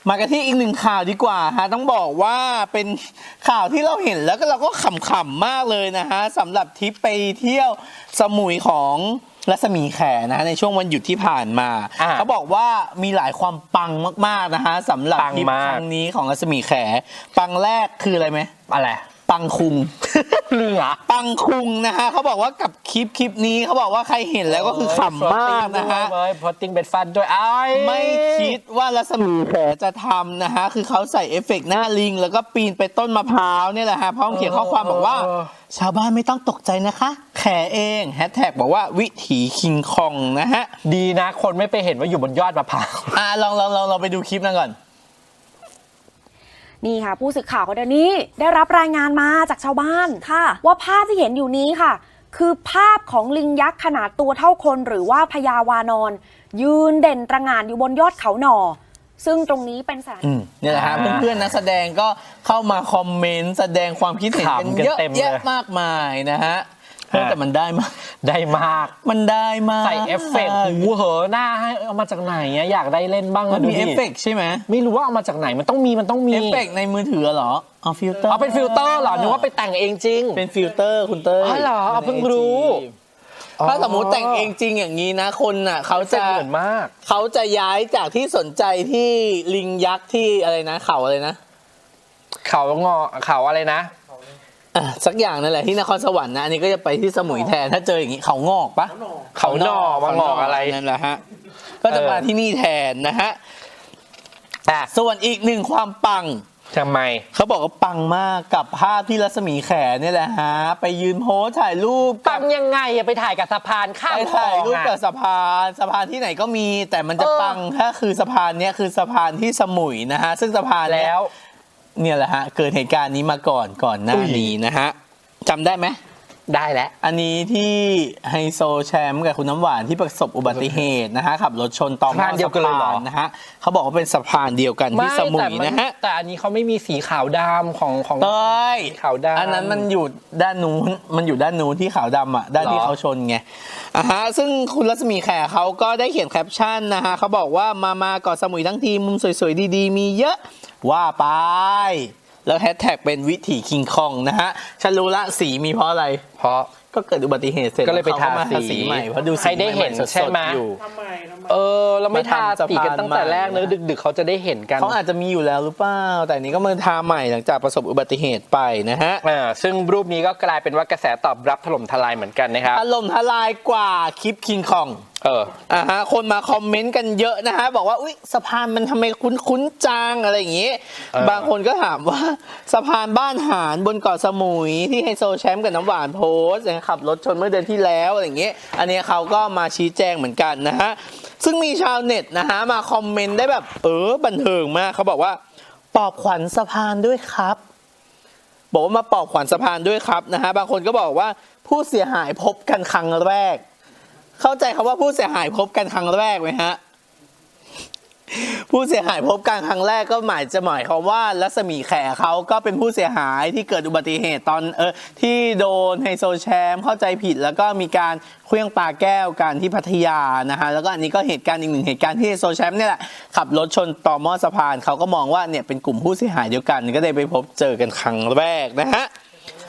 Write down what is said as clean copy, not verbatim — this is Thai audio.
มากันที่อีกหนึ่งข่าวดีกว่าฮะต้องบอกว่าเป็นข่าวที่เราเห็นแล้วก็เราก็ขำๆมากเลยนะฮะสำหรับทริปไปเที่ยวสมุยของรัศมีแขนะในช่วงวันหยุดที่ผ่านมาเขาบอกว่ามีหลายความปังมากๆนะฮะสำหรับทริปครั้งนี้ของรัศมีแขปังแรกคืออะไรไหมอะไรปังคุงเรือปังคุงนะฮะเขาบอกว่ากับคลิปนี้เขาบอกว่าใครเห็นแล้วก็คือขำมากนะฮะพอติ้งเบ็ดฟันด้วยไม่คิดว่ารัศมีแขจะทำนะฮะคือเขาใส่เอฟเฟกต์หน้าลิงแล้วก็ปีนไปต้นมะพร้าวนี่แหละฮะพร้อมเขียนข้อความบอกว่าชาวบ้านไม่ต้องตกใจนะคะแขเองแฮชแท็กบอกว่าวิถีคิงคองนะฮะดีนะคนไม่ไปเห็นว่าอยู่บนยอดมะพร้าวลองไปดูคลิปนั้นก่อนนี่ค่ะผู้สื่อข่าวคนนี้ได้รับรายงานมาจากชาวบ้านค่ะว่าภาพที่เห็นอยู่นี้ค่ะคือภาพของลิงยักษ์ขนาดตัวเท่าคนหรือว่าพญาวานอนยืนเด่นตระหง่านอยู่บนยอดเขาหน่อซึ่งตรงนี้เป็นสถานนี่แหละฮะเพื่อนๆนักแสดงก็เข้ามาคอมเมนต์แสดงความคิดเห็นกันเยอะแยะมากมายนะฮะแต่มันได้มากมันได้มากใส่เอฟเฟกต์หูเหอหน้าให้เอามาจากไหนอยากได้เล่นบ้างมันมีเอฟเฟกต์ใช่ไหมไม่รู้ว่าเอามาจากไหนมันต้องมีเอฟเฟกต์ในมือถือเหรอเอาฟิลเตอร์เป็นฟิลเตอร์เหรอนึกว่าไปแต่งเองจริงเป็นฟิลเตอร์คุณเต้ยเหรอเพิ่งรู้ถ้าสมมติแต่งเองจริงอย่างนี้นะคนน่ะเขาจะเหมือนมากเขาจะย้ายจากที่สนใจที่ลิงยักษ์ที่อะไรนะเขาอะไรนะเขาอะไรนะสักอย่างนั่นแหละที่นครสวรรค์นะอันนี้ก็จะไปที่สมุยแทนถ้าเจออย่างนี้เขางอกปะเขาหนอมางอกอะไรนั่นแหละฮะก็จะมาที่นี่แทนนะฮะส่วนอีกหนึ่งความปังทำไมเขาบอกว่าปังมากกับภาพที่รัศมีแขนี่แหละฮะไปยืนโพสถ่ายรูปปังยังไงไปถ่ายกับสะพานข้ามไปถ่ายรูปกับสะพานที่ไหนก็มีแต่มันจะปังถ้าคือสะพานนี้คือสะพานที่สมุยนะฮะซึ่งสะพานแล้วเนี่ยแหละฮะเกิดเหตุการณ์นี้มาก่อนหน้านี้นะฮะจำได้ไหมได้แล้วอันนี้ที่ไฮโซแชมป์กับคุณน้ำหวานที่ประสบอุบัติเหตุนะฮะขับรถชนต่อหม้อสะพานนะฮะเขาบอกว่าเป็นสะพานเดียวกันที่สมุยนะฮะแต่อันนี้เขาไม่มีสีขาวดำของเต้ยขาวดำอันนั้นมันอยู่ด้านนู้นที่ขาวดำอ่ะด้านที่เขาชนไงฮะซึ่งคุณรัศมีแขเขาก็ได้เขียนแคปชั่นนะฮะเขาบอกว่ามาเกาะสมุยทั้งทีมุมสวยๆดีๆมีเยอะว่าไปแล้วแฮชแท็กเป็นวิถีคิงคองนะฮะฉันรู้ละสีมีเพราะอะไรเพราะก็เกิดอุบัติเหตุเสร็จก็เลยไปทาสีใหม่เพราะดูใครได้เห็นใช่ไหมเราไม่ทาสีกันตั้งแต่แรกเลยดึกๆเขาจะได้เห็นกันเขาอาจจะมีอยู่แล้วหรือเปล่าแต่นี้ก็มาทาใหม่หลังจากประสบอุบัติเหตุไปนะฮะซึ่งรูปนี้ก็กลายเป็นว่ากระแสตอบรับถล่มทลายเหมือนกันนะครับถล่มทลายกว่าคลิปคิงคองคนมาคอมเมนต์กันเยอะนะฮะบอกว่าอุ๊ยสะพานมันทำไมคุ้นจังอะไรอย่างงี้บางคนก็ถามว่าสะพานบ้านหารบนเกาะสมุยที่ไฮโซแชมป์กับน้ำหวานโพสขับรถชนเมื่อเดือนที่แล้วอะไรอย่างเงี้ยอันนี้เขาก็มาชี้แจงเหมือนกันนะฮะซึ่งมีชาวเน็ตนะฮะมาคอมเมนต์ได้แบบบันเทิงมากเขาบอกว่าปลอบขวัญสะพานด้วยครับบอกว่ามาปลอบขวัญสะพานด้วยครับนะฮะบางคนก็บอกว่าผู้เสียหายพบกันครั้งแรกเข้าใจคำว่าผู้เสียหายพบกันครั้งแรกไหมฮะผู้เสียหายพบกันครั้งแรกก็หมายความว่ารัศมีแขเขาก็เป็นผู้เสียหายที่เกิดอุบัติเหตุตอนที่โดนไฮโซแชมป์เข้าใจผิดแล้วก็มีการเคลื่องปาแก้วกันที่พัทยานะฮะแล้วก็อันนี้ก็เหตุการณ์อีกหนึ่งเหตุการณ์ที่ไฮโซแชมป์เนี่ยแหละขับรถชนต่อหม้อสะพานเขาก็มองว่าเนี่ยเป็นกลุ่มผู้เสียหายเดียวกันก็เลยไปพบเจอกันครั้งแรกนะฮะ